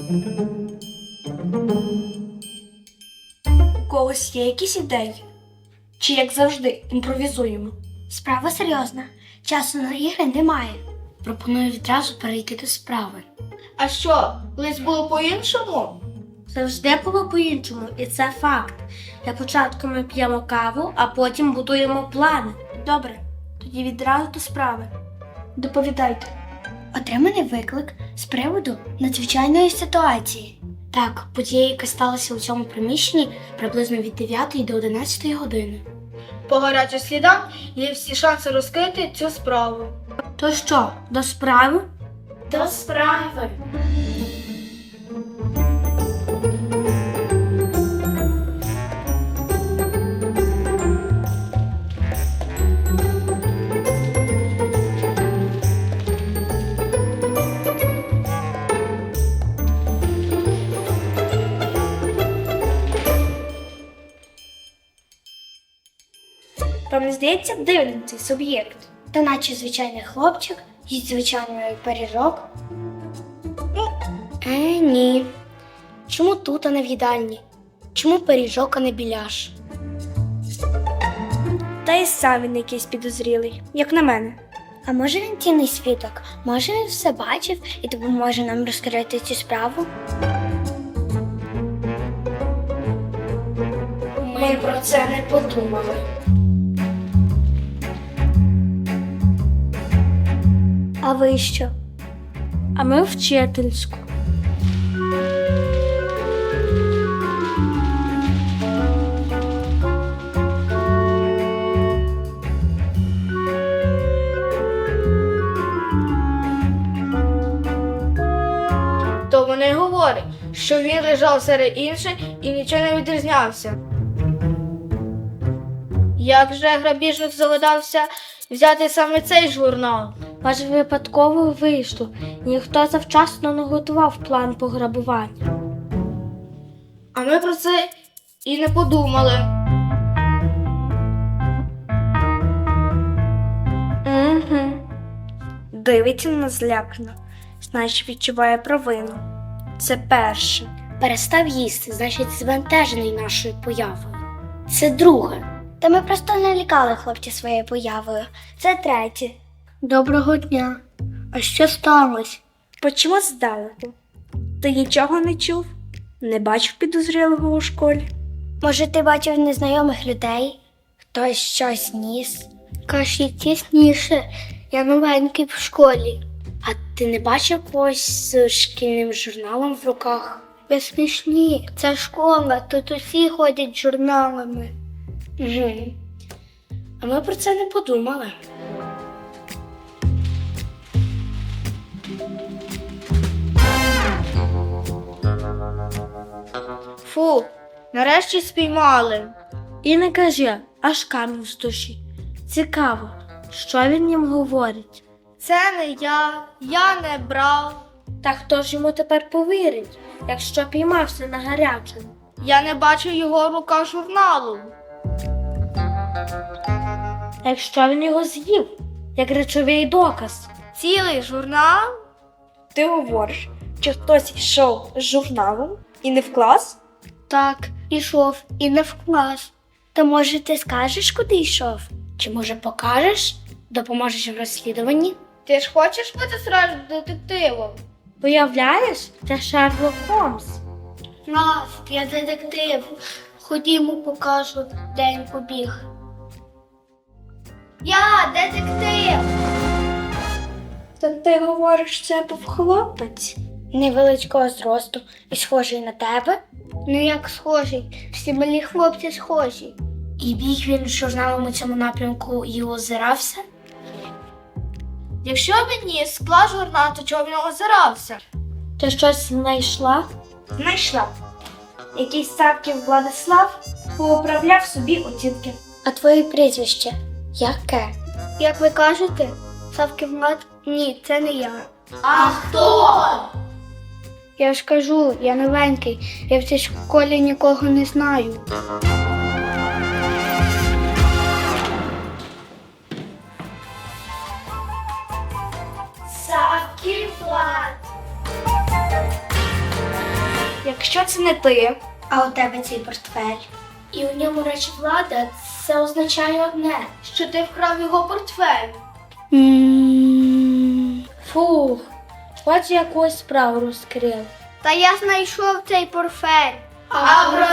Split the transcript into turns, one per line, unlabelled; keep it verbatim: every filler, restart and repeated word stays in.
У когось є якісь ідеї? Чи, як завжди, імпровізуємо?
Справа серйозна. Часу на ігри немає. Пропоную відразу перейти до справи.
А що, колись було по-іншому?
Завжди було по-іншому, і це факт. Для початку ми п'ємо каву, а потім будуємо плани.
Добре, тоді відразу до справи. Доповідайте.
Отриманий виклик з приводу надзвичайної ситуації. Так, подія, яка сталася у цьому приміщенні приблизно від дев'ятої до одинадцятої години.
По гарячих слідам є всі шанси розкрити цю справу.
То що, до справи?
До справи. Вам не здається дивним цей суб'єкт?
Та наче звичайний хлопчик, їсть звичайний пиріжок. Е, ні. Чому тут, а не в їдальні? Чому пиріжок, а не біляш?
Та й сам він якийсь підозрілий, як на мене.
А може він цінний свідок? Може він все бачив і допоможе нам розкрити цю справу?
Ми про це не подумали.
А ви що?
А ми вчительську.
То вони говорять, що він лежав серед інших і нічого не відрізнявся. Як же грабіжник загадався взяти саме цей журнал?
Може, випадково вийшло, і ніхто завчасно не готував план пограбування.
А ми про це і не подумали.
Угу. Дивиться на нас злякано, значить відчуває провину. Це перше.
Перестав їсти, значить збентежений нашою появою. Це друге. Та ми просто налякали хлопця своєю появою. Це третє. Доброго дня. А що сталося?
Почому здалеку? Ти нічого не чув? Не бачив підозрілого у школі?
Може, ти бачив незнайомих людей? Хтось щось ніс? Кажіть тісніше, я новенький в школі. А ти не бачив когось з шкільним журналом в руках? Ви смішні, це школа, тут усі ходять з журналами. Угу. А ми про це не подумали.
Фу, нарешті спіймали.
І не кажи, аж камінь з душі. Цікаво, що він їм говорить.
Це не я, я не брав.
Та хто ж йому тепер повірить, якщо піймався на гарячому?
Я не бачив його в руках журналу.
А якщо він його з'їв, як речовий доказ?
Цілий журнал?
Ти говориш, чи хтось йшов з журналом і не в клас?
Так, ішов і не в клас. Та може ти скажеш, куди йшов? Чи може покажеш? Допоможеш в розслідуванні?
Ти ж хочеш бути справжнім детективом?
Уявляєш, це Шерлок Холмс.
Нас, я детектив. Ходімо, покажу, де він побіг.
Я детектив!
Та ти говориш, це був хлопець.
Невеличкого зросту і схожий на тебе? Ну як схожий? Всі малі хлопці схожі. І біг він з журналом у цьому напрямку і озирався?
Якщо він ніс склад журнал, то чого він озирався?
Ти щось знайшла? Знайшла. Якийсь Савків Владислав поуправляв собі оцінки.
А твоє прізвище яке? Як ви кажете, Савків Влад? Ні, це не я.
А хто?
Я ж кажу, я новенький, я в цій школі нікого не знаю.
Савків Влад. якщо це не ти,
А у тебе цей портфель. І у ньому речі влада, це означає одне.
що ти вкрав його портфель.
Фух, хоч якусь справу розкрив.
Та я знайшов цей портфель.
А про